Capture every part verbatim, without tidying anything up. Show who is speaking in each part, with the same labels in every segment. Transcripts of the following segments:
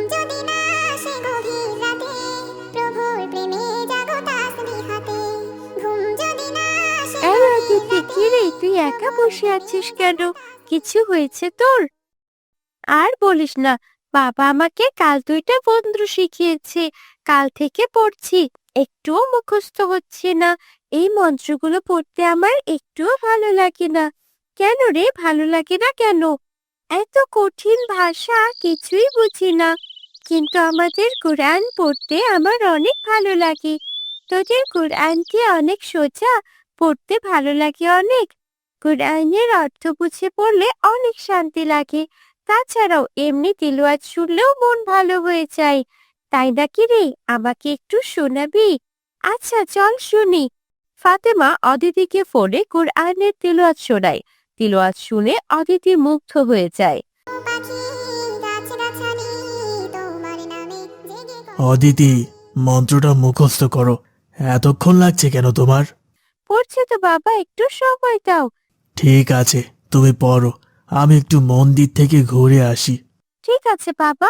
Speaker 1: যদি না আসে গভীর রাতে, প্রভুর প্রেমে জাগো তাসবিহাতে। ঘুম যদি না আসে
Speaker 2: এই
Speaker 1: গভীর
Speaker 2: অদিতি,
Speaker 1: রাতে।
Speaker 2: কি রে, তুই একা বসে আছিস কেন? কিছু হয়েছে তোর? আর বলিস না, বাবা আমাকে কাল দুইটা মন্ত্র শিখিয়েছে, কাল থেকে পড়ছি, একটুও মুখস্থ হচ্ছে না। এই মন্ত্রগুলো পড়তে আমার একটুও ভালো লাগে না। কেন রে, ভালো লাগে না কেন? এত কঠিন ভাষা, কিছুই বুঝি না। কিন্তু আমাদের কোরআন পড়তে আমার অনেক ভালো লাগে। তোদের কোরআন কি অনেক সোজা? পড়তে ভালো লাগে অনেক? কোরআনের অর্থ বুঝে পড়লে অনেক শান্তি লাগে। তাছাড়াও এমনি তিলাওয়াত শুনলেও মন ভালো হয়ে যায়। তাই নাকি রে? আমাকে একটু শোনাবি? আচ্ছা চল শুনি। ফাতেমা অদিতিকে ফোনে কোরআনের তিলাওয়াত শোনায়। তিলাওয়াত শুনে অদিতি মুগ্ধ হয়ে যায়।
Speaker 1: পাখি গাছ-গাছালি তোমার নামে জেগে করে।
Speaker 3: অদিতি, মন্ত্রটা মুখস্থ করো। এতক্ষণ লাগছে কেন তোমার?
Speaker 2: পড়ছে তো বাবা, একটু সময় দাও।
Speaker 3: ঠিক আছে, তুমি পড়ো, আমি একটু মন্দির থেকে ঘুরে আসি।
Speaker 2: ঠিক আছে বাবা।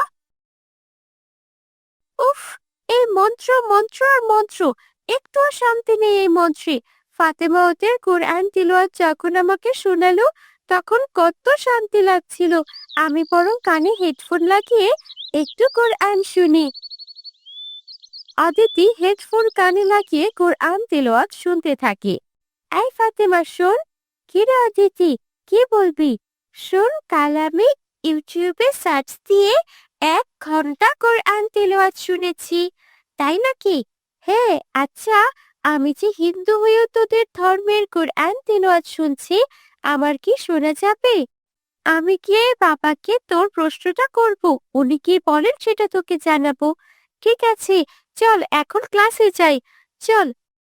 Speaker 2: উফ, এই মন্ত্র মন্ত্র আর মন্ত্র, একটুও শান্তি নেই এই মন্ত্রে। ফাতেমা ওদের কোরআন তিলাওয়াত যখন আমাকে শোনালো, তখন কত শান্তি লাগছিল। আমি বরং কানে হেডফোন লাগিয়ে একটু কোরআন শুনি। অদিতি হেডফোন কানে লাগিয়ে কোরআন তিলাওয়াত শুনতে থাকে। এই ফাতেমা শোন। কি রে অদিতি, কি বলবি? শোন, কাল আমি ইউটিউবে সার্চ দিয়ে এক ঘন্টা কোরআন তিলাওয়াত শুনেছি। তাই নাকি? হ্যাঁ। আচ্ছা, আমি যে হিন্দু হয়েও তোদের ধর্মের কোরআন তিলাওয়াত শুনছি, আমার কি শোনা যাবে? আমি গিয়ে বাবাকে তোর প্রশ্নটা করব, উনি কি বলেন সেটা তোকে জানাবো। ঠিক আছে, চল এখন ক্লাসে যাই। চল।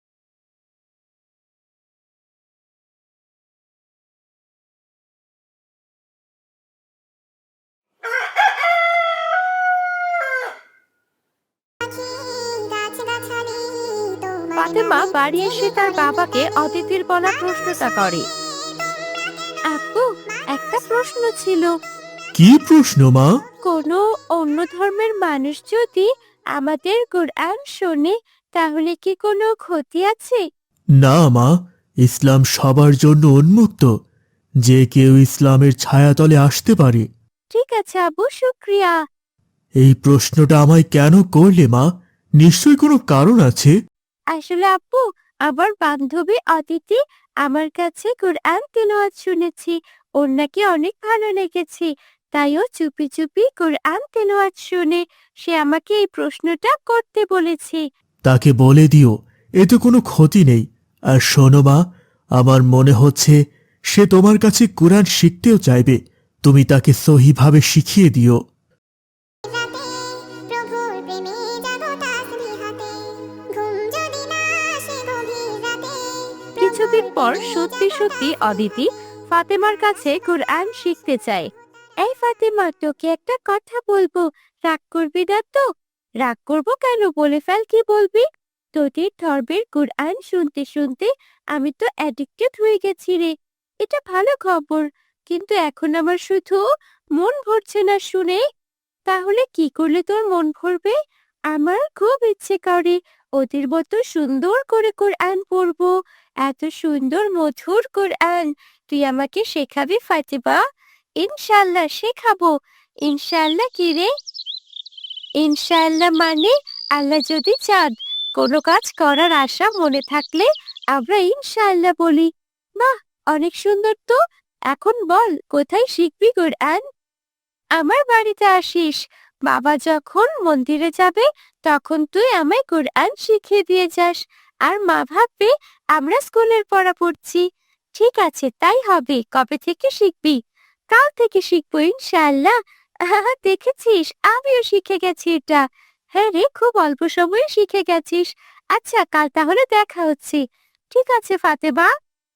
Speaker 1: পাখি গাছ-গাছালি তোমার
Speaker 2: ফাতেমা
Speaker 1: নামে
Speaker 2: বাড়ি এসে
Speaker 1: জেগে
Speaker 2: তার
Speaker 1: করে।
Speaker 2: বাবাকে অদিতির বলা প্রশ্নটা করে। আপু, একটা প্রশ্ন ছিল।
Speaker 3: কি প্রশ্ন মা?
Speaker 2: কোনো অন্য ধর্মের মানুষ যদি আমাদের কোরআন শোনে, তাহলে কি কোনো ক্ষতি আছে?
Speaker 3: না মা, ইসলাম সবার জন্য উন্মুক্ত। যে কেউ ইসলামের ছায়াতলে আসতে পারে।
Speaker 2: ঠিক আছে আবু, শুক্রিয়া।
Speaker 3: এই প্রশ্নটা আমায় কেন করলে মা? নিশ্চয়ই কোনো কারণ আছে।
Speaker 2: আসলে আপু, আমার বান্ধবী অদিতি আমার কাছে কোরআন তিলাওয়াত শুনেছি, ওর নাকি অনেক ভালো লেগেছে। তাই ও চুপি চুপি কোরআন তিলাওয়াত শুনে সে আমাকে এই প্রশ্নটা করতে বলেছে।
Speaker 3: তাকে বলে দিও, এতে কোনো ক্ষতি নেই। আর শোনো মা, আমার মনে হচ্ছে সে তোমার কাছে কোরআন শিখতেও চাইবে। তুমি তাকে সহিভাবে শিখিয়ে দিও।
Speaker 1: রাতে প্রভুর প্রেমে জাগো তাসবিহাতে। ঘুম যদি না আসে গভীর রাতে।
Speaker 2: কিছুদিন পর সত্যি সত্যি অদিতি ফাতেমার কাছে কোরআন শিখতে চায়। এই ফাতেমা, তোকে একটা কথা বলবো, রাগ করবি না তো? রাগ করবো কেন, বলে ফেল, কি বলবি? তোদের ধর্মের কোরআন শুনতে শুনতে আমি তো অ্যাডিক্টেড হয়ে গেছি রে। এটা ভালো খবর, কিন্তু এখন আমার শুধু মন ভরছে না শুনে। তাহলে কি করলে তোর মন ভরবে? আমার খুব ইচ্ছে করে ওদের মতো সুন্দর করে কোরআন পড়বো। এত সুন্দর মধুর কোরআন তুই আমাকে শেখাবি ফাতেমা? ইনশাল্লাহ শেখাবো। ইনশাল্লাহ কি রে? ইনশাআল্লাহ মানে আল্লাহ যদি চান। কোনো কাজ করার আশা মনে থাকলে আমরা ইনশাআল্লাহ বলি। বাহ, অনেক সুন্দর তো। এখন বল, কোথায় শিখবি কোরআন? আমার বাড়িতে আসিস। বাবা যখন মন্দিরে যাবে, তখন তুই আমায় কোরআন শিখিয়ে দিয়ে যাস। আর মা ভাববে আমরা স্কুলের পড়া পড়ছি। ঠিক আছে, তাই হবে। কবে থেকে শিখবি? কাল থেকে শিখবো ইনশাআল্লাহ। আহা, দেখেছিস, আমিও শিখে গেছি এটা। হ্যাঁ রে, খুব অল্প সময়ে শিখে গেছিস। আচ্ছা, কাল তাহলে দেখা হচ্ছে। ঠিক আছে ফাতেমা।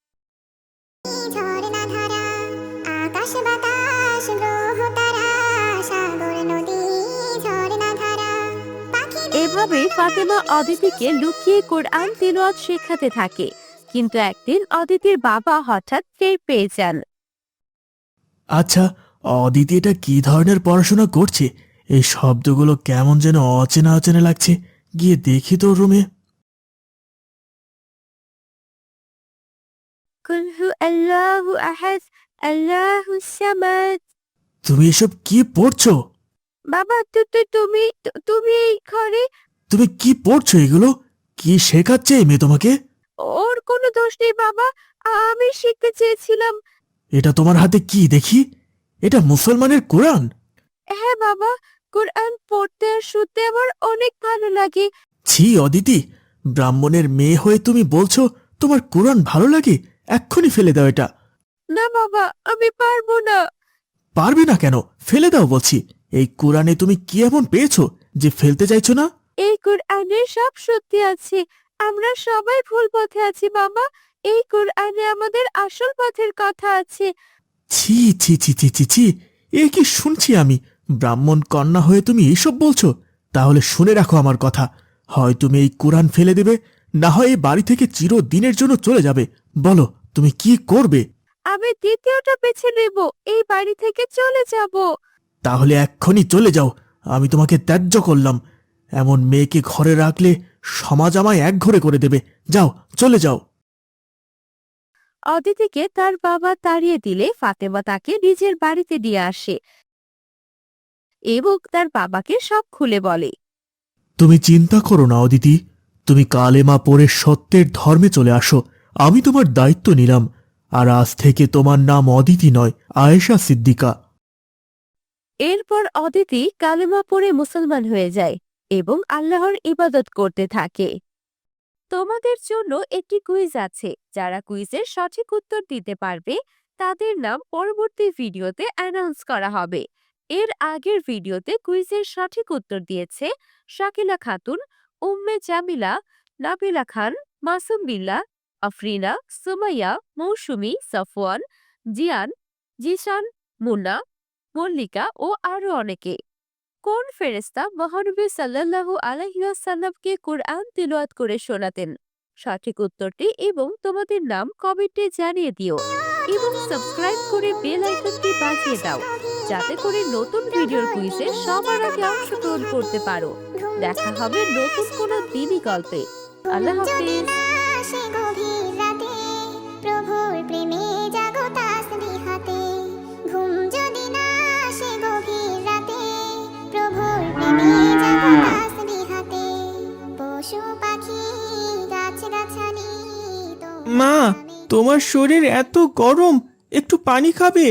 Speaker 1: ঝরনা ধারা, আকাশ বাতাস গ্রহ তারা, সাগর নদী ঝরনা ধারা। পাখি
Speaker 2: এভাবে ফাতেমা অদিতিকে লুকিয়ে কোরআন তিলাওয়াত শেখাতে থাকে। কিন্তু একদিন অদিতির বাবা হঠাৎ টের পেয়ে যান।
Speaker 3: আচ্ছা, অদিতি এটা কি ধরনের পড়াশোনা করছে? এই শব্দগুলো কেমন যেন অচেনা অচেনা লাগছে। গিয়ে দেখি তোর রুমে।
Speaker 2: কুল হু আল্লাহু আহাদ আল্লাহুস সামাদ।
Speaker 3: তুমি এসব কি পড়ছো?
Speaker 2: বাবা তু তু তুমি তু- তুমি এই ঘরে।
Speaker 3: তুমি কি পড়ছো এগুলো? কি শেখাচ্ছে এই মেয়ে তোমাকে?
Speaker 2: ওর কোনো দোষ নেই বাবা, আমি শিখতে চেয়েছিলাম।
Speaker 3: এটা তোমার হাতে কি দেখি? এটা মুসলমানের কোরআন।
Speaker 2: হ্যাঁ বাবা, কোরআন পড়তে আর শুনতে আমার অনেক ভালো লাগে।
Speaker 3: ছি অদিতি, ব্রাহ্মণের মেয়ে হয়ে তুমি বলছো তোমার কোরআন ভালো লাগে? এক্ষুনি ফেলে দাও এটা।
Speaker 2: না বাবা, আমি পারবো না।
Speaker 3: পারবে না কেন? ফেলে দাও বলছি। এই কোরআনে তুমি কি এমন পেয়েছো যে ফেলতে চাইছো না?
Speaker 2: এই কোরআনে সব সত্যি আছে। আমরা সবাই ভুল পথে আছি বাবা। এই কোরআনে আমাদের আসল পথের কথা আছে।
Speaker 3: ছি ছি ছি ছি ছি ছি, এ কি শুনছি আমি? ব্রাহ্মণ কন্যা হয়ে তুমি এসব বলছো? তাহলে শুনে রাখো আমার কথা। হয় তুমি এই কোরআন ফেলে দেবে, না হয় এই বাড়ি থেকে চিরদিনের জন্য চলে যাবে। বলো তুমি কি করবে?
Speaker 2: আমি দ্বিতীয়টা বেছে নেব, এই বাড়ি থেকে চলে যাব।
Speaker 3: তাহলে এক্ষুনি চলে যাও। আমি তোমাকে ত্যায্য করলাম। এমন মেয়েকে ঘরে রাখলে সমাজ আমায় একঘরে করে দেবে। যাও, চলে যাও।
Speaker 2: অদিতিকে তার বাবা তাড়িয়ে দিলে ফাতেমা তাকে নিজের বাড়িতে নিয়ে আসে এবং তার বাবাকে সব খুলে বলে।
Speaker 3: তুমি চিন্তা করো না অদিতি, তুমি কালেমা পড়ে সত্যের ধর্মে চলে আসো। আমি তোমার দায়িত্ব নিলাম। আর আজ থেকে তোমার নাম অদিতি নয়, আয়েশা সিদ্দিকা।
Speaker 2: এরপর অদিতি কালেমা পড়ে মুসলমান হয়ে যায় এবং আল্লাহর ইবাদত করতে থাকে। তোমাদের জন্য একটি কুইজ আছে। যারা কুইজের সঠিক উত্তর দিতে পারবে তাদের নাম পরবর্তী ভিডিওতে অ্যানাউন্স করা হবে। এর আগের ভিডিওতে কুইজের সঠিক উত্তর দিয়েছে শাকিলা খাতুন, উম্মে জামিলা, নাবিলা খান, মাসুম বিল্লাহ, আফরিনা, সুমাইয়া, মৌসুমী, সফওয়ান, জিয়ান, জিশান, মুন্না, মল্লিকা ও আরো অনেকে। কোন ফেরেশতা মহানবী সাল্লাল্লাহু আলাইহি ওয়াসাল্লামকে কুরআন তিলাওয়াত করে শোনাতেন? সঠিক উত্তরটি এবং তোমাদের নাম কমেন্টে জানিয়ে দিও এবং সাবস্ক্রাইব করে বেল আইকনটি বাজিয়ে দাও যাতে করে নতুন ভিডিওর কুইজে সবার আগে অংশগ্রহণ করতে পারো। দেখা হবে নতুন কোনো দিনই গল্পে। আল্লাহ হাফেজ।
Speaker 1: আসে গভীর রাতে, প্রভুর প্রেমে জাগো তাসবিহাতে। ঘুম যদি না আসে গভীর রাতে, প্রভুর প্রেমে জাগো তাসবিহাতে। পশু পাখি গাছ গাছালি
Speaker 4: মা, তোমার শরীর এত গরম, একটু পানি খাবে?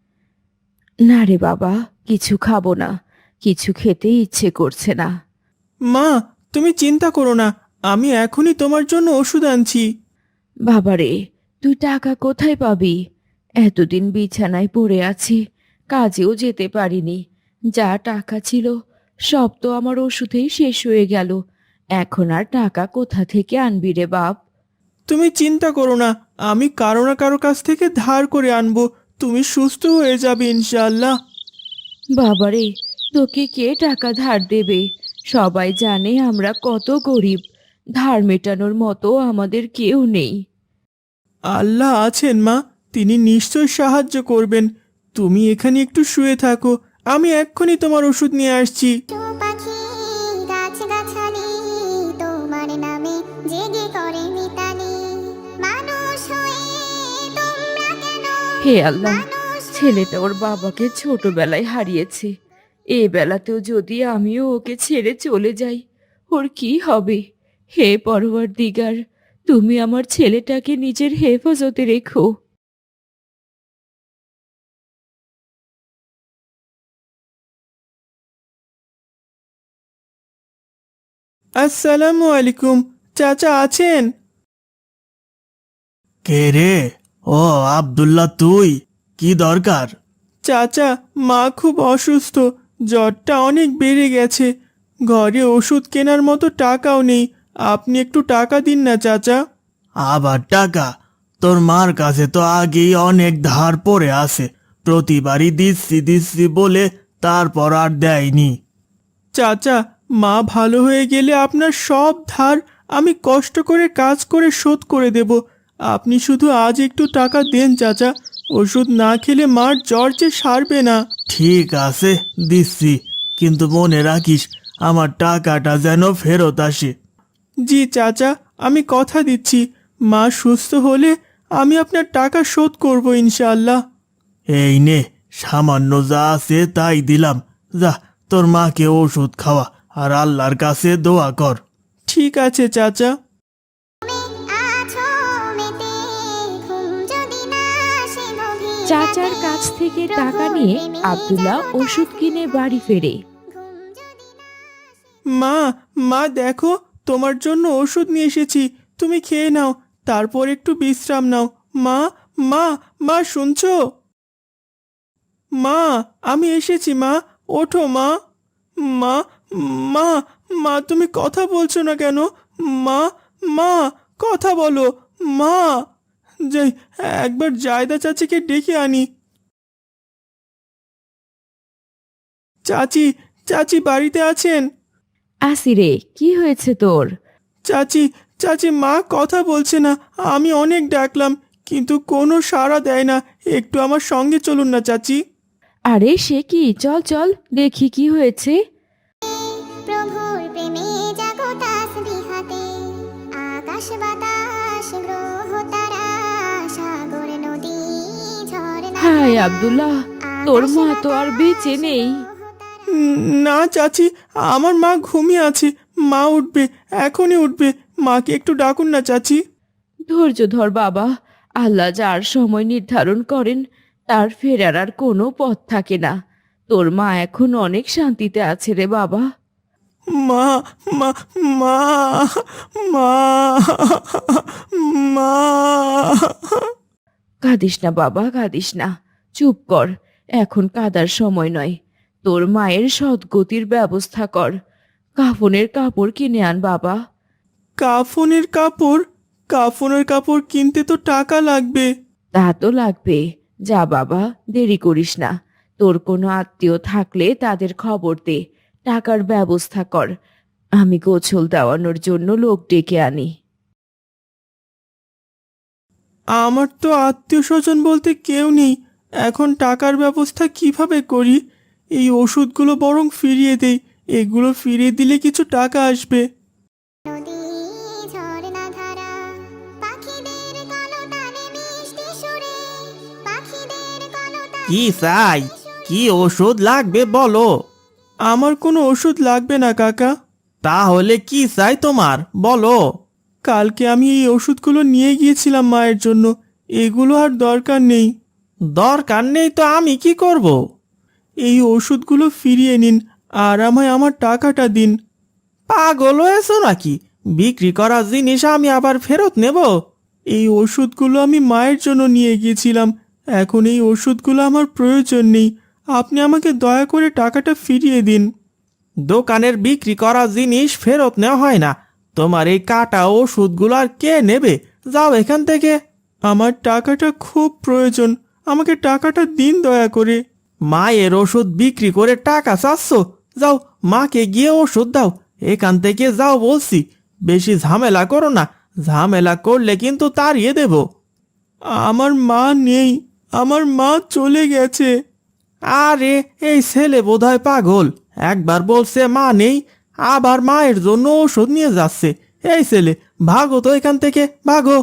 Speaker 5: না রে বাবা, কিছু খাবো না। কিছু খেতে ইচ্ছে করছে না।
Speaker 4: মা, তুমি চিন্তা করো না, আমি এখনই তোমার জন্য ওষুধ আনছি।
Speaker 5: বাবারে, তুই টাকা কোথায় পাবি? এতদিন বিছানায় পড়ে আছি, কাজেও যেতে পারিনি। যা টাকা ছিল সব তো আমার ওষুধেই শেষ হয়ে গেল। এখন আর টাকা কোথা থেকে আনবি রে বাপ?
Speaker 4: তুমি চিন্তা করো না, আমি কারো না কারো কাছ থেকে ধার করে আনবো। তুমি সুস্থ হয়ে যাবে ইনশাআল্লাহ।
Speaker 5: বাবারে, তোকে কে টাকা ধার দেবে? সবাই জানে আমরা কত গরিব। ধার মেটানোর মতো আমাদের কেউ নেই।
Speaker 4: আল্লাহ আছেন মা, তিনি নিশ্চয় সাহায্য করবেন। তুমি এখানে একটু শুয়ে থাকো, আমি এক্ষুনি তোমার ওষুধ নিয়ে আসছি।
Speaker 1: পশু পাখি গাছ গাছালি তোমার নামে জেগে করে মিতালি। মানুষ হয়ে তোমরা কেন
Speaker 5: হে আল্লাহ, ছেলেটা ওর বাবাকে ছোটবেলায় হারিয়েছে। এ বেলাতেও যদি আমিও ওকে ছেড়ে চলে যাই, ওর কি হবে? হে পরওয়ারদিগার, তুমি আমার ছেলেটাকে নিজের হেফাজতে রেখো।
Speaker 4: আসসালামু আলাইকুম, চাচা আছেন?
Speaker 3: কে রে? ও আব্দুল্লাহ, তুই? কি দরকার?
Speaker 4: চাচা, মা খুব অসুস্থ, জ্বরটা অনেক বেড়ে গেছে। ঘরে ওষুধ কেনার মতো টাকাও নেই। আপনি একটু টাকা দিন না চাচা।
Speaker 3: আবার টাকা? তোর মার কাছে তো আগেই অনেক ধার পড়ে আছে। প্রতিবারই দিচ্ছি দিচ্ছি বলে তারপর আর দেয়নি।
Speaker 4: চাচা, মা ভালো হয়ে গেলে আপনার সব ধার আমি কষ্ট করে কাজ করে শোধ করে দেব। আপনি শুধু আজ একটু টাকা দেন চাচা, ওষুধ না খেলে মার জ্বর যে সারবে না।
Speaker 3: ঠিক আছে, দিচ্ছি। কিন্তু মনে রাখিস আমার টাকাটা যেন ফেরত আসে।
Speaker 4: জি চাচা, আমি কথা দিচ্ছি মা সুস্থ হলে আমি আপনার টাকা শোধ করব ইনশাআল্লাহ।
Speaker 3: এই নে, সামান্য যা আছে তাই দিলাম। যা, তোর মাকে ওষুধ খাওয়া আর আল্লাহর কাছে দোয়া কর।
Speaker 4: ঠিক আছে চাচা।
Speaker 1: আছো মেতে ঘুম যদি না আসে গভীর
Speaker 5: চাচার কাছ থেকে টাকা নিয়ে আব্দুল্লাহ ওষুধ কিনে বাড়ি ফেরে।
Speaker 1: ঘুম যদি না
Speaker 4: মা মা দেখো, তোমার জন্য ওষুধ নিয়ে এসেছি, তুমি খেয়ে নাও, তারপর একটু বিশ্রাম নাও। মা মা মা শুনছো? মা আমি এসেছি মা, ওঠো মা। মা মা মা তুমি কথা বলছো না কেন? মা মা কথা বলো মা। যাই একবার জায়দা চাচিকে ডেকে আনি। চাচি চাচি বাড়িতে আছেন?
Speaker 5: আসিরে, কি হয়েছে তোর?
Speaker 4: চাচি চাচি মা কথা বলছে না, আমি অনেক ডাকলাম কিন্তু কোনো সাড়া দেয় না, একটু আমার সঙ্গে চলুন না চাচি।
Speaker 5: আরে সে কি, চল চল দেখি কি হয়েছে।
Speaker 1: প্রভুর প্রেমে জাগো তাসবিহাতে আকাশ বাতাস গ্রহ তারা সাগর নদী ঝর্ণা
Speaker 5: হায় আব্দুল্লাহ, তোর মা তো আর বেঁচে নেই।
Speaker 4: উম, না চাচি, আমার মা ঘুমিয়ে আছে, মা উঠবে, এখনই উঠবে, মাকে একটু ডাকুন না চাচি।
Speaker 5: ধৈর্য ধর বাবা, আল্লাহ যার সময় নির্ধারণ করেন তার ফেরার আর কোনো পথ থাকে না। তোর মা এখন অনেক শান্তিতে আছে রে বাবা।
Speaker 4: মা মা মা মা মা
Speaker 5: কাঁদিস না বাবা, কাঁদিস না, চুপ কর, এখন কাঁদার সময় নয়। তোর মায়ের সদ্গতির ব্যবস্থা কর, কাফনের কাপড় কিনে আন বাবা।
Speaker 4: কাফনের কাপড়? কাফনের কাপড় কিনতে তো টাকা লাগবে।
Speaker 5: তা তো লাগবে, যা বাবা, দেরি করিস না। তোর কোনো আত্মীয় থাকলে তাদের খবর দে, টাকার ব্যবস্থা কর, আমি গোছল দেওয়ানোর জন্য লোক ডেকে আনি।
Speaker 4: আমার তো আত্মীয় স্বজন বলতে কেউ নেই, এখন টাকার ব্যবস্থা কিভাবে করি? এই ওষুধগুলো বরং ফিরিয়ে দেই, এগুলো ফিরিয়ে দিলে কিছু টাকা আসবে।
Speaker 1: নদী ঝর্ণা ধারা পাখিদের কলতানে মিষ্টি সুরে পাখিদের কলতানে
Speaker 3: কি চাই? কি ওষুধ লাগবে বলো?
Speaker 4: আমার কোনো ওষুধ লাগবে না কাকা।
Speaker 3: তাহলে কি চাই তোমার, বলো?
Speaker 4: কালকে আমি এই ওষুধগুলো নিয়ে গিয়েছিলাম মায়ের জন্য, এগুলো আর দরকার নেই।
Speaker 3: দরকার নেই তো আমি কি করব?
Speaker 4: এই ওষুধগুলো ফিরিয়ে নিন আর আমায় আমার টাকাটা দিন।
Speaker 3: পাগল হয়েছো নাকি? বিক্রি করা জিনিস আমি আবার ফেরত নেব?
Speaker 4: এই ওষুধগুলো আমি মায়ের জন্য নিয়ে গিয়েছিলাম, এখন এই ওষুধগুলো আমার প্রয়োজন নেই, আপনি আমাকে দয়া করে টাকাটা ফিরিয়ে দিন।
Speaker 3: দোকানের বিক্রি করা জিনিস ফেরত নেওয়া হয় না। তোমার এই কাটা ওষুধগুলো আর কে নেবে? যাও এখান থেকে।
Speaker 4: আমার টাকাটা খুব প্রয়োজন, আমাকে টাকাটা দিন দয়া করে।
Speaker 3: মায়ের ওষুধ বিক্রি করে টাকা চাচ্ছ? যাও, মাকে গিয়ে ওষুধ দাও, এখান থেকে যাও বলছি। বেশি ঝামেলা করো না, ঝামেলা করলে কিন্তু তাড়িয়ে দেব।
Speaker 4: আমার মা নেই, আমার মা চলে গেছে।
Speaker 3: আরে এই ছেলে বোধহয় পাগল, একবার বলছে মা নেই, আবার মায়ের জন্য ওষুধ নিয়ে যাচ্ছে। এই ছেলে, ভাগো তো এখান থেকে, ভাগো।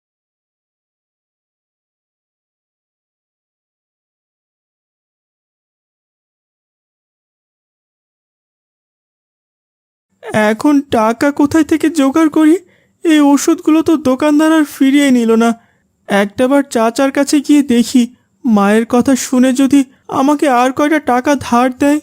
Speaker 4: এখন টাকা কোথায় থেকে জোগাড় করি? এই ওষুধগুলো তো দোকানদার আর ফিরিয়ে নিল না। একটাবার চাচার কাছে গিয়ে দেখি, মায়ের কথা শুনে যদি আমাকে আর কয়টা টাকা ধার দেয়।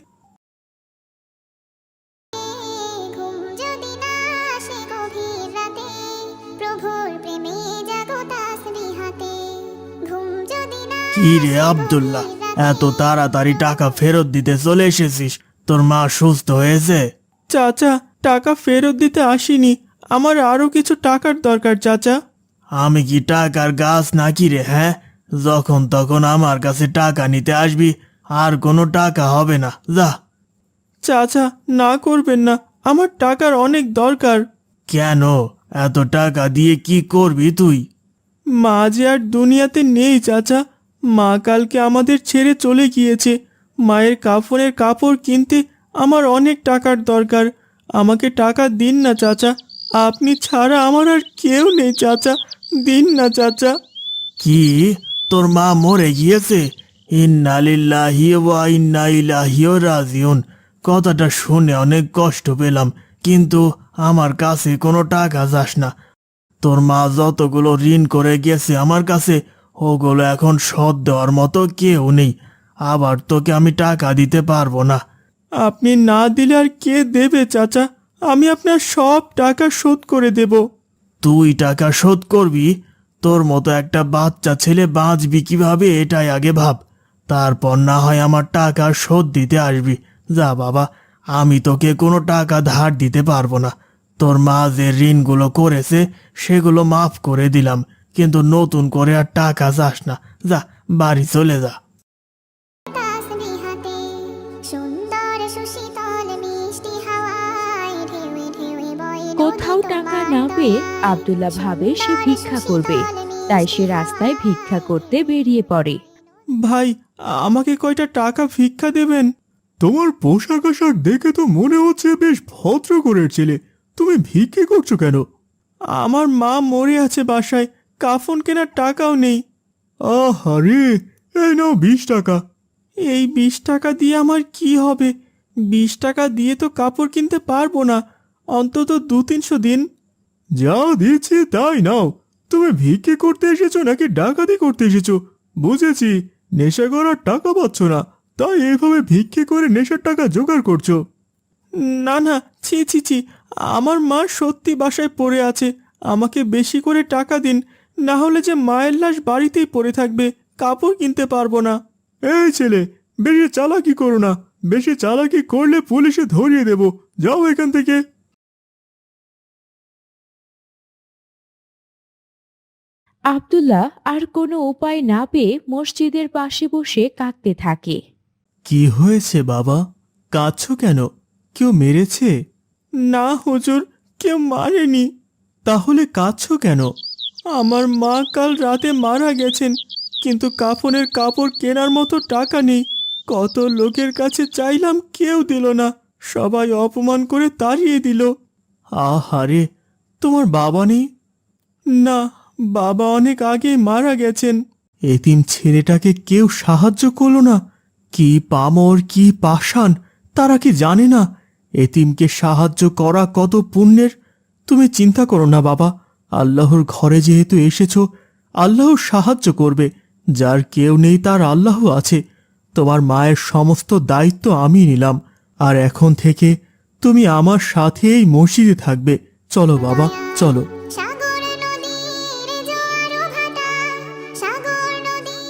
Speaker 1: ঘুম যদি না আসে গভীর রাতে প্রভুর প্রেমে জাগো তাসবিহাতে ঘুম যদি না
Speaker 3: কি রে আব্দুল্লাহ, এত তাড়াতাড়ি টাকা ফেরত দিতে চলে এসেছিস? তোর মা সুস্থ হয়েছে?
Speaker 4: চাচা, টাকা ফেরত দিতে আসিনি, আমার আরো কিছু টাকার দরকার চাচা।
Speaker 3: আমি কি টাকার গাছ নাকি রে? হ্যাঁ, যখন তখন আমার কাছে টাকা নিতে আসবি, আর কোনো টাকা হবে না, যা।
Speaker 4: চাচা না করবেন না, আমার টাকার অনেক দরকার।
Speaker 3: কেন? এত টাকা দিয়ে কি করবি তুই?
Speaker 4: মা যে আর দুনিয়াতে নেই চাচা, মা কালকে আমাদের ছেড়ে চলে গিয়েছে। মায়ের কাফনের কাপড় কিনতে আমার অনেক টাকার দরকার। আমাকে টাকা দিন না চাচা, আপনি ছাড়া আমার আর কেউ নেই চাচা, দিন না চাচা।
Speaker 3: কি, তোর মা মরে গিয়েছে? ইন্না লিল্লাহি ওয়া ইন্না ইলাইহি রাজিউন। কথাটা শুনে অনেক কষ্ট পেলাম, কিন্তু আমার কাছে কোনো টাকা যাস না। তোর মা যতগুলো ঋণ করে গেছে আমার কাছে, ওগুলো এখন শোধ দেওয়ার মতো কেউ নেই। আবার তোকে আমি টাকা দিতে পারবো না।
Speaker 4: আপনি না দিলে আর কে দেবে চাচা? আমি আপনার সব টাকা শোধ করে দেব।
Speaker 3: তুই টাকা শোধ করবি? তোর মতো একটা বাচ্চা ছেলে বাঁচবি কিভাবে এটাই আগে ভাব, তারপর না হয় আমার টাকা শোধ দিতে আসবি। যা বাবা, আমি তোকে কোনো টাকা ধার দিতে পারবো না। তোর মা যে ঋণগুলো করেছে সেগুলো মাফ করে দিলাম, কিন্তু নতুন করে আর টাকা চাস না। যা, বাড়ি চলে যা।
Speaker 1: তাসবিহাতে সুন্দর সুশীতল মিষ্টি হাওয়ায় ঢেউয়ে ঢেউয়ে বয়ে
Speaker 5: কোথাও টাকা না পেয়ে আব্দুল্লাহ ভাবে সে ভিক্ষা করবে, তাই সে রাস্তায় ভিক্ষা করতে বেরিয়ে পড়ে।
Speaker 4: ভাই, আমাকে কয়টা টাকা ভিক্ষা দেবেন?
Speaker 3: তোমার পোশাক আশাক দেখে তো মনে হচ্ছে বেশ ভদ্র ঘরের ছেলে। তুমি ভিক্ষে করছো কেন?
Speaker 4: আমার মা মরে আছে বাসায়, কাফন কেনার টাকাও নেই।
Speaker 3: আহারে, এই নাও বিশ টাকা।
Speaker 4: এই বিশ টাকা দিয়ে আমার কি হবে? বিশ টাকা দিয়ে তো কাপড় কিনতে পারবো না, অন্তত দু তিনশো দিন।
Speaker 3: যা দিচ্ছি তাই নাও। তুমি ভিক্ষে করতে এসেছো নাকি ডাকাতি করতে এসেছো? বুঝেছি, নেশা করার টাকা পাচ্ছ না, তাই এভাবে ভিক্ষে করে নেশার টাকা জোগাড় করছো।
Speaker 4: না না, ছি ছি ছি, আমার মা সত্যি বাসায় পড়ে আছে, আমাকে বেশি করে টাকা দিন, না হলে যে মায়ের লাশ বাড়িতেই পড়ে থাকবে, কাপড় কিনতে পারবো না।
Speaker 3: এই ছেলে, বেশি চালাকি করো না। বেশি চালাকি করলে পুলিশে ধরিয়ে দেব। যাও এখান থেকে।
Speaker 5: আব্দুল্লাহ আর কোনো উপায় না পেয়ে মসজিদের পাশে বসে কাঁদতে থাকে।
Speaker 3: কি হয়েছে বাবা? কাঁদছো কেন? কেউ মেরেছে?
Speaker 4: না হুজুর, কেউ মারেনি।
Speaker 3: তাহলে কাঁদছো কেন?
Speaker 4: আমার মা কাল রাতে মারা গেছেন, কিন্তু কাফনের কাপড় কেনার মতো টাকা নেই। কত লোকের কাছে চাইলাম, কেউ দিল না, সবাই অপমান করে তাড়িয়ে দিল।
Speaker 3: আহারে, তোমার বাবা নেই?
Speaker 4: না, বাবা অনেক আগে মারা গেছেন।
Speaker 3: এতিম ছেলেটাকে কেউ সাহায্য করলো না? কি পামর, কি পাষাণ, তারা কি জানে না এতিমকে সাহায্য করা কত পুণ্যের? তুমি চিন্তা করো না বাবা, আল্লাহর ঘরে যেহেতু এসেছো, আল্লাহ সাহায্য করবে। যার কেউ নেই তার আল্লাহ আছে। তোমার মায়ের সমস্ত দায়িত্ব আমি নিলাম, আর এখন থেকে তুমি আমার সাথে এই মসজিদে থাকবে। চলো বাবা, চলো।
Speaker 1: সাগর নদীর জোয়ার ভাটা, সাগর নদীর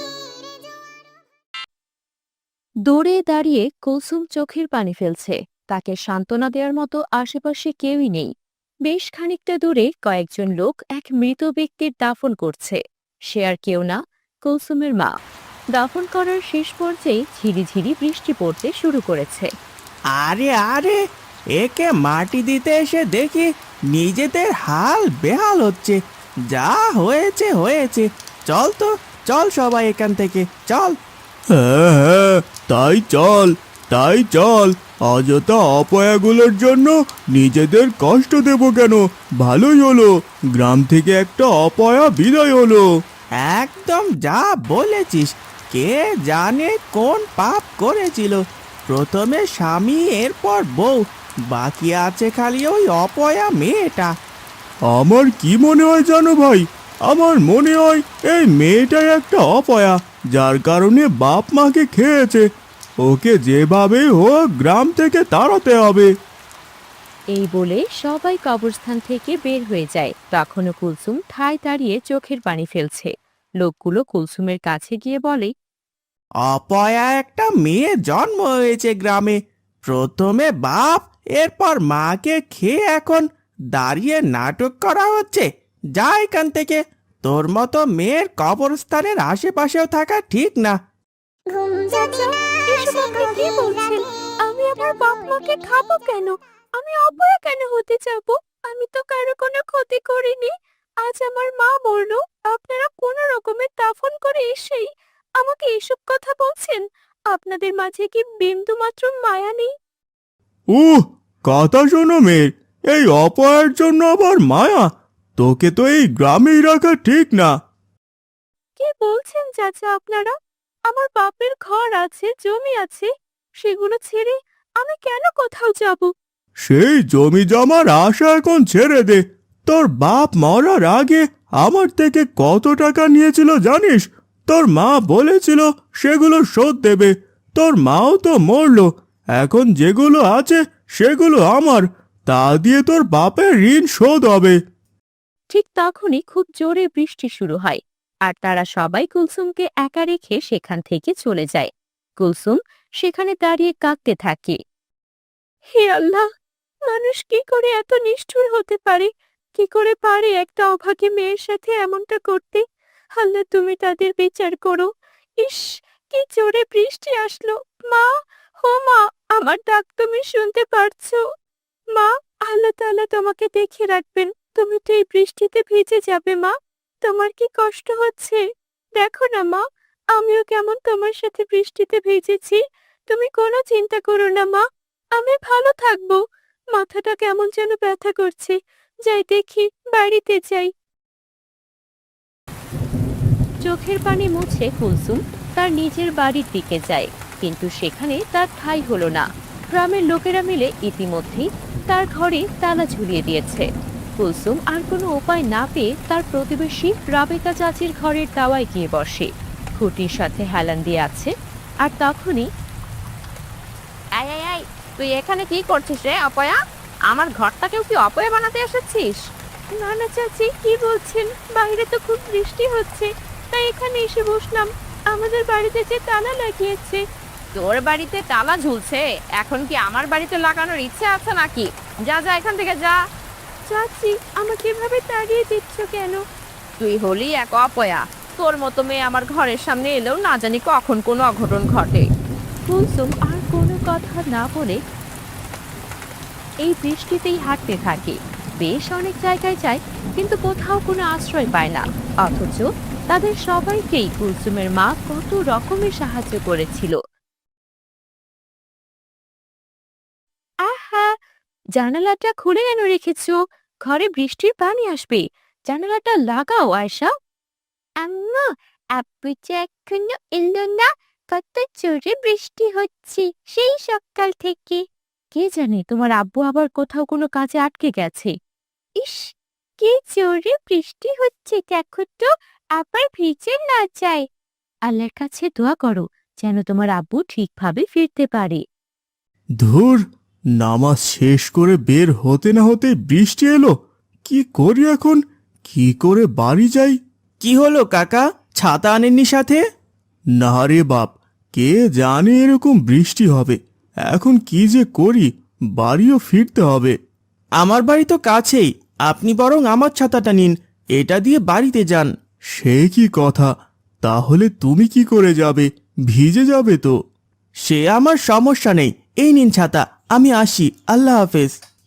Speaker 2: দৌড়ে দাঁড়িয়ে কুলসুম চোখের পানি ফেলছে। তাকে সান্ত্বনা দেওয়ার মতো আশেপাশে কেউই নেই। বেশ খানিকটা দূরে কয়েকজন লোক এক মৃত ব্যক্তির দাফন করছে। সে আর কেউ না, কুলসুমের মা। দাফন করার শেষ পর্যায়ে ঝিরিঝিরি বৃষ্টি পড়তে শুরু করেছে।
Speaker 4: আরে আরে, একে মাটি দিতে এসে দেখি নিজেদের হাল বেহাল হচ্ছে। যা হয়েছে হয়েছে, চল তো, চল সবাই এখান থেকে, চল।
Speaker 3: হ্যাঁ হ্যাঁ, তাই চল, তাই চল। অযথা অপয়াগুলোর জন্য নিজেদের কষ্ট দেব কেন? ভালোই হলো, গ্রাম থেকে একটা অপয়া বিদায় হলো।
Speaker 4: একদম যা বলেছিস। কে জানে কোন পাপ করেছিল, প্রথমে স্বামী, এরপর বউ, বাকি আছে খালি ওই অপয়া মেয়েটা।
Speaker 3: আমার কি মনে হয় জানো ভাই? আমার মনে হয় এই মেয়েটাই একটা অপয়া, যার কারণে বাপ মাকে খেয়েছে। ওকে যেভাবে হোক গ্রাম থেকে তাড়াতে হবে।
Speaker 2: এই বলে সবাই কবরস্থান থেকে বের হয়ে যায়। তখনও কুলসুম ঠায় দাঁড়িয়ে চোখের পানি ফেলছে। লোকগুলো কুলসুমের কাছে গিয়ে বলে,
Speaker 4: অপয়া একটা মেয়ে জন্ম হয়েছে গ্রামে, প্রথমে বাপ, এরপর মাকে খেয়ে এখন দাঁড়িয়ে নাটক করা হচ্ছে। যা এখান থেকে, তোর মতো মেয়ের কবরস্থানের আশেপাশেও থাকা ঠিক না।
Speaker 1: ঘুম যদি না
Speaker 2: এসব
Speaker 1: আসে
Speaker 2: আপনি কি
Speaker 1: গভীর
Speaker 2: বলছেন?
Speaker 1: রাতে,
Speaker 2: আমি আমার বাপ মাকে খাবো কেন? আমি অপয়া কেন হতে যাব? আমি তো কারো কোনো ক্ষতি করিনি। আজ আমার মা মরলো, আপনারা কোনো রকমের দাফন করে এসেই আমাকে এসব কথা বলছেন? আপনাদের মাঝে কি বিন্দু মাত্র মায়া নেই?
Speaker 4: উহ, কথা শোনো মেয়ের, এই অপয়ের জন্য আবার মায়া। তোকে তো এই গ্রামেই রাখা ঠিক না।
Speaker 2: কি বলছেন চাচা আপনারা? আমার বাপের ঘর আছে, জমি আছে, সেগুলো ছেড়ে আমি কেন কোথাও যাব?
Speaker 4: সেই জমি জমার আশা এখন ছেড়ে দে। তোর বাপ মরার আগে আমার থেকে কত টাকা নিয়েছিল জানিস? তোর মা বলেছিল সেগুলো শোধ দেবে। তোর মাও তো মরলো, এখন যেগুলো আছে সেগুলো আমার। তা দিয়ে তোর বাপের ঋণ শোধ হবে।
Speaker 2: ঠিক তখনই খুব জোরে বৃষ্টি শুরু হয়, আর তারা সবাই কুলসুমকে একা রেখে সেখান থেকে চলে যায়। কুলসুম সেখানে দাঁড়িয়ে কাঁদতে থাকে। হে আল্লাহ, মানুষ কি করে এত নিষ্ঠুর হতে পারে? কি করে পারে একটা অভাগী মেয়ের সাথে এমনটা করতে? আল্লাহ, তুমি তাদের বিচার করো। ইস, কি জোরে বৃষ্টি আসলো! মা, হো মা, আমার ডাক তুমি শুনতে পারছো? মা, আল্লাহ তাআলা তোমাকে দেখে রাখবেন। তুমি তো এই বৃষ্টিতে ভিজে যাবে মা। তোমার কি কষ্ট হচ্ছে? দেখো না মা, আমিও কেমন তোমার সাথে বৃষ্টিতে ভিজেছি। তুমি কোনো চিন্তা করো না মা, আমি ভালো থাকবো। মাথাটা কেমন যেন ব্যথা করছে, যাই দেখি, বাড়িতে যাই। চোখের পানি মুছে কুলসুম তার নিজের বাড়ির দিকে যায়, কিন্তু সেখানে তার ঠাঁই হলো না। গ্রামের লোকেরা মিলে ইতিমধ্যেই তার ঘরে তালা ঝুলিয়ে দিয়েছে। কুলসুম আর কোনো উপায় না পেয়ে তার প্রতিবেশী রাবেকা চাচির ঘরের দাওয়ায় গিয়ে বসে। খুঁটির সাথে হেলান দিয়ে আছে, আর তখনই আয় আয় আয়, তুই এখানে কি করছিস রে অপয়া? আমার ঘরটাকেও কি অপয়া বানাতে এসেছিস? না না চাচি, কি বলছেন? বাইরে তো খুব বৃষ্টি হচ্ছে, তাই এখানে এসে বসলাম। আমাদের বাড়িতে যে তালা লাগিয়েছে। তোর বাড়িতে তালা ঝুলছে, এখন কি আমার বাড়িতে লাগানোর ইচ্ছে আছে নাকি? যা যা, এখান থেকে যা। চাচি, আমাকে এভাবে তাড়িয়ে দিচ্ছ কেন? তুই হলি এক অপয়া। তোর মতো মেয়ে আমার ঘরের সামনে এলেও না জানি কখন কোনো অঘটন ঘটে। কুলসুম আর কোনো কথা না বলে এই বৃষ্টিতেই হাঁটতে থাকে। বেশ অনেক জায়গায় যায়, কিন্তু কোথাও কোনো আশ্রয় পায় না। অথচ তাদের সবাইকেই কুলসুমের মা কত রকমের সাহায্য করেছিল। আহা, জানালাটা খুলে কেন রেখেছো? ঘরে বৃষ্টির পানি আসবে। জানালাটা লাগাও আয়শা। আম্মু, আব্বু যে এখনো এলো না। কত জোরে বৃষ্টি হচ্ছে সেই সকাল থেকে। কে জানে তোমার আব্বু আবার কোথাও কোনো কাজে আটকে গেছে। ইস, কি জোরে বৃষ্টি হচ্ছে, দেখো তো, আবার ভিজে না যায়। আল্লাহর কাছে দোয়া করো যেন তোমার আব্বু ঠিকভাবে ফিরতে পারে।
Speaker 4: ধুর, নামাজ শেষ করে বের হতে না হতে বৃষ্টি এলো। কি করি এখন? কি করে বাড়ি যাই?
Speaker 3: কি হলো কাকা, ছাতা আনেননি সাথে?
Speaker 4: না রে বাপ, কে জানে এরকম বৃষ্টি হবে। এখন কি যে করি, বাড়িও ফিরতে হবে।
Speaker 3: আমার বাড়ি তো কাছেই, আপনি বরং আমার ছাতাটা নিন, এটা দিয়ে বাড়িতে যান।
Speaker 4: সে কি কথা? তাহলে তুমি কি করে যাবে? ভিজে যাবে তো।
Speaker 3: সে আমার সমস্যা নেই, এই নিন ছাতা, আমি আসি, আল্লাহ হাফেজ।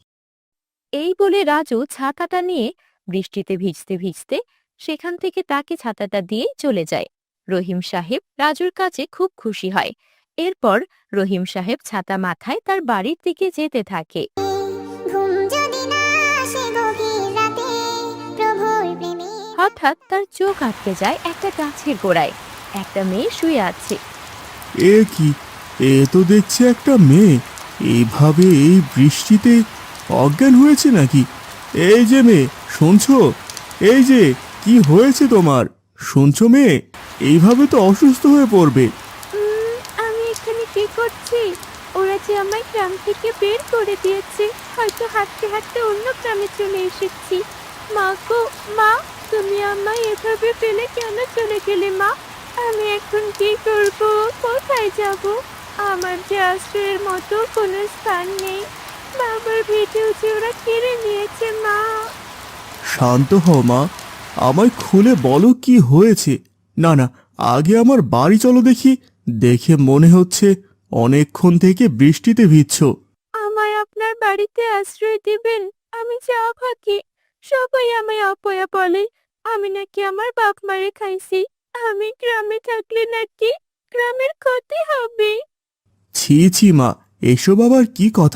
Speaker 2: এই বলে রাজু ছাতাটা নিয়ে বৃষ্টিতে ভিজতে ভিজতে সেখান থেকে তাকে ছাতাটা দিয়ে চলে যায়। রহিম সাহেব রাজুর কাছে খুব খুশি হয়। এরপর রহিম সাহেব ছাতা মাথায় তার বাড়ির দিকে যেতে থাকে।
Speaker 1: ঘুম যদি না আসে গভীর রাতে, প্রভুর প্রেমে
Speaker 2: হঠাৎ তার চোখ আটকে যায় একটা গাছের গোড়ায়। একটা মেয়ে শুয়ে আছে।
Speaker 4: এ কি? এ তো দেখছি একটা মেয়ে। এইভাবে এই বৃষ্টিতে অজ্ঞান হয়েছে নাকি? এই যে মেয়ে, শুনছো? এই যে, কি হয়েছে তোমার? শুনছো মেয়ে? এইভাবে তো অসুস্থ হয়ে পড়বে।
Speaker 2: উম, আমি এখানে কি করছি? ওরা যে আমায় গ্রাম থেকে বের করে দিয়েছে। হয়তো হাঁটতে হাঁটতে অন্য গ্রামে চলে এসেছি। মা গো মা, তুমি আমায় এভাবে ফেলে কেন চলে গেলে মা? আমি এখন কি করব? কোথায় যাব? আমার যে আশ্রয়ের মতো কোনো স্থান নেই। বাবার ভিটেও যে ওরা কেড়ে নিয়েছে মা।
Speaker 4: শান্ত হও মা, আমায় খুলে বলো কি হয়েছে। না না, আগে আমার বাড়ি চলো দেখি। দেখে মনে হচ্ছে অনেকক্ষণ থেকে বৃষ্টিতে ভিজছো।
Speaker 2: আমায় আপনার বাড়িতে আশ্রয় দিবেন? আমি যে অভাগী, সবাই আমায় অপয়া বলে। আমি নাকি আমার বাপ মারে খাইছি। আমি গ্রামে থাকলে নাকি গ্রামের ক্ষতি হবে।
Speaker 4: ছি ছি মা, এসব আবার কি কথা?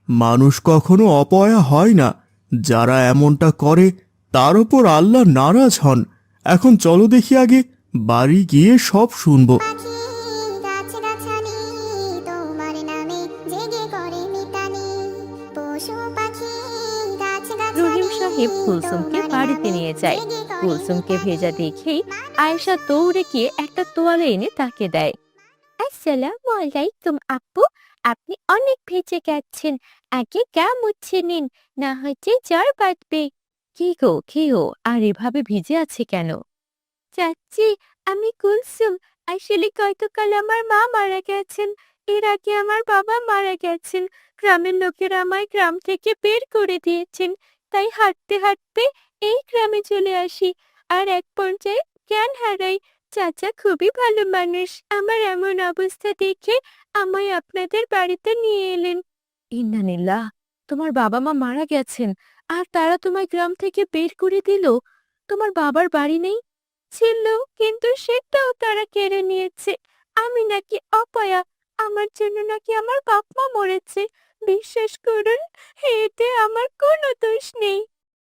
Speaker 3: মানুষ কখনো অপয়া হয় না। যারা এমনটা করে তার উপর আল্লাহ নারাজ হন। এখন চলো দেখি আগে, বাড়ি গিয়ে সব শুনবো।
Speaker 1: পাখি গাছগাছালি তোমার নামে জেগে করে মিতালি পশু পাখি গাছগাছালি
Speaker 2: রহিম সাহেব কুলসুমকে
Speaker 1: তোমার
Speaker 2: বাড়িতে
Speaker 1: নামে
Speaker 2: নিয়ে যায়।
Speaker 1: জেগে করে
Speaker 2: কুলসুমকে
Speaker 1: মিতালি।
Speaker 2: ভেজা দেখেই আয়েশা দৌড়ে গিয়ে একটা তোয়ালে এনে তাকে দেয়। আসসালামু আলাইকুম আপু, আপনি অনেক ভেজে গেছেন, আগে গা মুছে নিন, না হচ্ছে জ্বর বাঁধবে। কি গো কি গো, আর এভাবে ভিজে আছে কেন? চাচি, আমি কুলসুম। আসলে গতকাল আমার মা মারা গেছেন, এর আগে আমার বাবা মারা গেছেন। গ্রামের লোকেরা আমায় গ্রাম থেকে বের করে দিয়েছেন, তাই হাঁটতে হাঁটতে এই গ্রামে চলে আসি, আর এক পর্যায়ে জ্ঞান হারাই। চাচা খুবই ভালো মানুষ, আমার এমন অবস্থা দেখে আমায় আপনাদের বাড়িতে নিয়ে এলেন। ইন্নানিল্লাহ, তোমার বাবা মা মারা গেছেন আর তারা তোমায় গ্রাম থেকে বের করে দিল? তোমার বাবার বাড়ি নেই? ছিল, কিন্তু সেটাও তারা কেড়ে নিয়েছে। আমি নাকি অপয়া, আমার জন্য নাকি আমার বাপ মা মরেছে। বিশ্বাস করুন, এতে আমার কোনো দোষ নেই।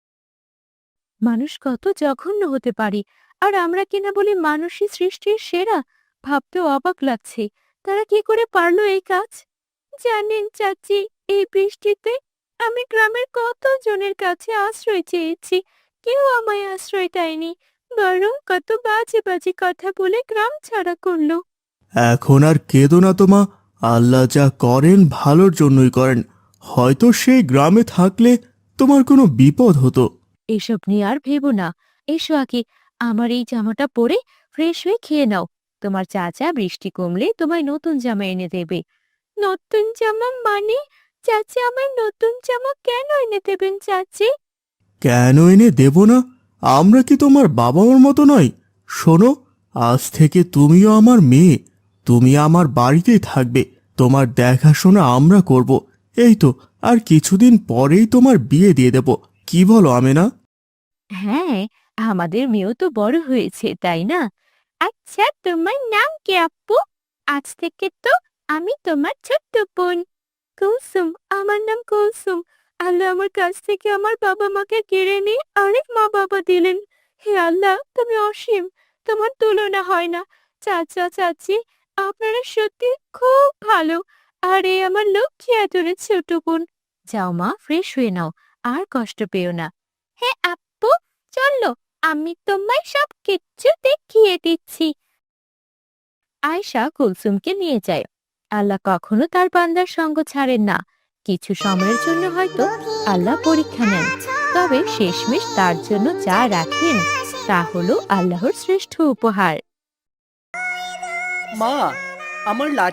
Speaker 2: মানুষ কত জঘন্য হতে পারে, আর আমরা কিনা বলি মানুষই সৃষ্টির সেরা। ভাবতেও অবাক লাগছে, তারা কি করে পারলো এই কাজ। জানেন চাচি, এই বৃষ্টিতে আমি গ্রামের কত জনের কাছে আশ্রয় চেয়েছি, কেউ আমায় আশ্রয় দেয়নি, বরং কত বাজে বাজে কথা বলে গ্রাম ছাড়া করলো।
Speaker 3: এখন আর কেঁদো না তোমা, আল্লাহ যা করেন ভালোর জন্যই করেন। হয়তো সেই গ্রামে থাকলে তোমার কোনো বিপদ হতো।
Speaker 2: এসব নিয়ে আর ভেবো না। এসো আগে, আমার এই জামাটা পরে ফ্রেশ হয়ে খেয়ে নাও। তোমার চাচা বৃষ্টি কমলে তোমায় নতুন জামা এনে দেবে। নতুন জামা মানে? চাচা আমায় নতুন জামা কেন এনে দেবেন চাচি?
Speaker 3: কেন এনে দেব না? আমরা কি তোমার বাবা মার মতো নয়? শোনো, আজ থেকে তুমিও আমার মেয়ে, তুমি আমার বাড়িতেই থাকবে, তোমার দেখাশোনা আমরা করব। এই তো আর কিছুদিন পরেই তোমার বিয়ে দিয়ে দেব। কি বলো আমেনা?
Speaker 2: হ্যাঁ, আমাদের মেয়েও তো বড় হয়েছে, তাই না? আচ্ছা, তোমার নাম কি আপু? আজ থেকে তো আমি তোমার ছোট্ট বোন। কুলসুম, আমার নাম কুলসুম। আল্লাহ আমার কাছ থেকে আমার বাবা মাকে কেড়ে নিয়ে আরেক মা বাবা দিলেন। হে আল্লাহ, তুমি অসীম, তোমার তুলনা হয় না। চাচা চাচি, আপনারা সত্যি খুব ভালো। আর এই আমার লক্ষ্মী আদরের ছোট বোন। যাও মা, ফ্রেশ হয়ে নাও, আর কষ্ট পেও না। হ্যাঁ আপু, চলো, আমি তোমায় সব কিচ্ছু দেখিয়ে দিচ্ছি। আয়শা কুলসুমকে নিয়ে যায়। আল্লাহ কখনো তার বান্দার সঙ্গ ছাড়েন না। কিছু সময়ের জন্য হয়তো আল্লাহ পরীক্ষা নেন, তবে শেষমেশ তার জন্য যা রাখেন তা হলো আল্লাহর শ্রেষ্ঠ উপহার।
Speaker 4: মা, আমার লাঠি